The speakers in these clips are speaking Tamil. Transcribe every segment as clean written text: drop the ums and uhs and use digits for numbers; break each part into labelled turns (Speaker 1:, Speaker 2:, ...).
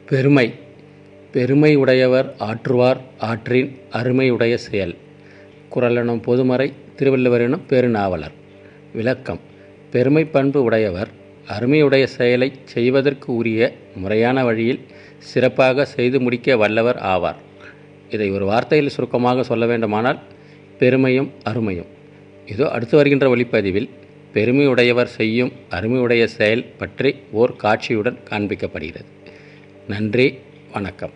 Speaker 1: பெருமை பெருமை உடையவர் ஆற்றுவார் ஆற்றின் அருமையுடைய செயல். குறளெனும் பொதுமறை திருவள்ளுவரெனும் பெருநாவலர். விளக்கம்: பெருமை பண்பு உடையவர் அருமையுடைய செயலை செய்வதற்கு உரிய முறையான வழியில் சிறப்பாக செய்து முடிக்க வல்லவர் ஆவார். இதை ஒரு வார்த்தையில் சுருக்கமாக சொல்ல வேண்டுமானால் பெருமையும் அருமையும். இதோ அடுத்து வருகின்ற ஒளிப்பதிவில் பெருமையுடையவர் செய்யும் அருமையுடைய செயல் பற்றி ஓர் காட்சியுடன் காண்பிக்கப்படுகிறது. நன்றி, வணக்கம்.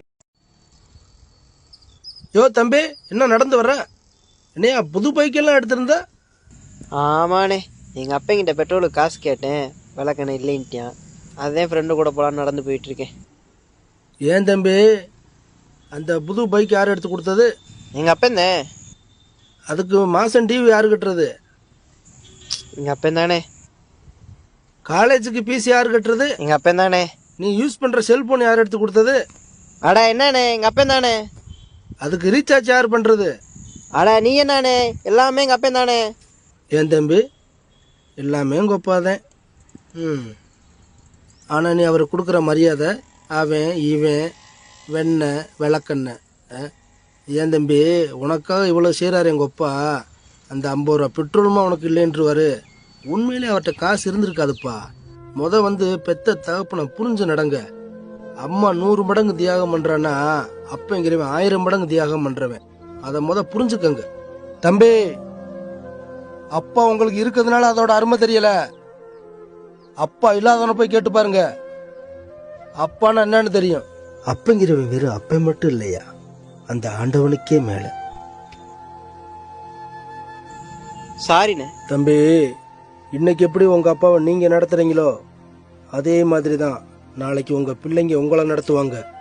Speaker 2: யோ தம்பி, என்ன நடந்து வர்ற? என்னையா புது பைக்கெல்லாம் எடுத்திருந்த?
Speaker 3: ஆமாண்ணே, எங்கள் அப்பங்கிட்ட பெட்ரோலுக்கு காசு கேட்டேன், விளக்கண்ணே இல்லைன்ட்டியான். அதே ஃப்ரெண்டு கூட போகலான்னு நடந்து போயிட்டுருக்கேன்.
Speaker 2: ஏன் தம்பி, அந்த புது பைக் யார் எடுத்து கொடுத்தது?
Speaker 3: எங்கள் அப்பந்தேன்.
Speaker 2: அதுக்கு மாதம் டிவி யார் கட்டுறது?
Speaker 3: எங்கள் அப்பந்தானே.
Speaker 2: காலேஜுக்கு ஃபீஸ் யார் கட்டுறது?
Speaker 3: எங்கள் அப்பந்தானே.
Speaker 2: நீ யூஸ் பண்ணுற செல்ஃபோன் யார் எடுத்து கொடுத்தது?
Speaker 3: அடா என்னண்ணே, எங்கள் அப்பந்தானே.
Speaker 2: அதுக்கு ரீசார்ஜ் யார் பண்ணுறது?
Speaker 3: அடா நீ என்னானே, எல்லாமே எங்கள் அப்பந்தானே.
Speaker 2: ஏன் தம்பி, எல்லாமே உங்கள் அப்பாதான். ஆனால் நீ அவர் கொடுக்குற மரியாதை அவன் இவன் வெண்ணெய் விளக்கெண்ணெய். ஏன் தம்பி, உனக்காக இவ்வளோ செய்கிறாரு எங்கள் அப்பா. அந்த 50 ரூபா பெட்ரோலுமா உனக்கு இல்லைன்றுவார். உண்மையிலே அவர்கிட்ட காசு இருந்திருக்காதுப்பா. பெத்த தகப்பனை புரிஞ்சு நடங்க. அம்மா 100 மடங்கு தியாகம் பண்ணுறான்னா அப்பங்கிறவன் 1000 மடங்கு தியாகம் பண்ணுறவன். அதை புரிஞ்சுக்கங்க தம்பி. அப்பா உங்களுக்கு இருக்கிறதுனால அதோட அருமை தெரியல. அப்பா இல்லாதவனை போய் கேட்டு பாருங்க, அப்பான்னா என்னன்னு தெரியும். அப்பங்கிறவன் வெறும் அப்ப மட்டும் இல்லையா, அந்த ஆண்டவனுக்கே மேல.
Speaker 3: சாரிண்ணே.
Speaker 2: தம்பி, இன்னைக்கு எப்படி உங்க அப்பாவை நீங்க நடத்துறீங்களோ அதே மாதிரி தான் நாளைக்கு உங்க பிள்ளைங்க உங்களை நடத்துவாங்க.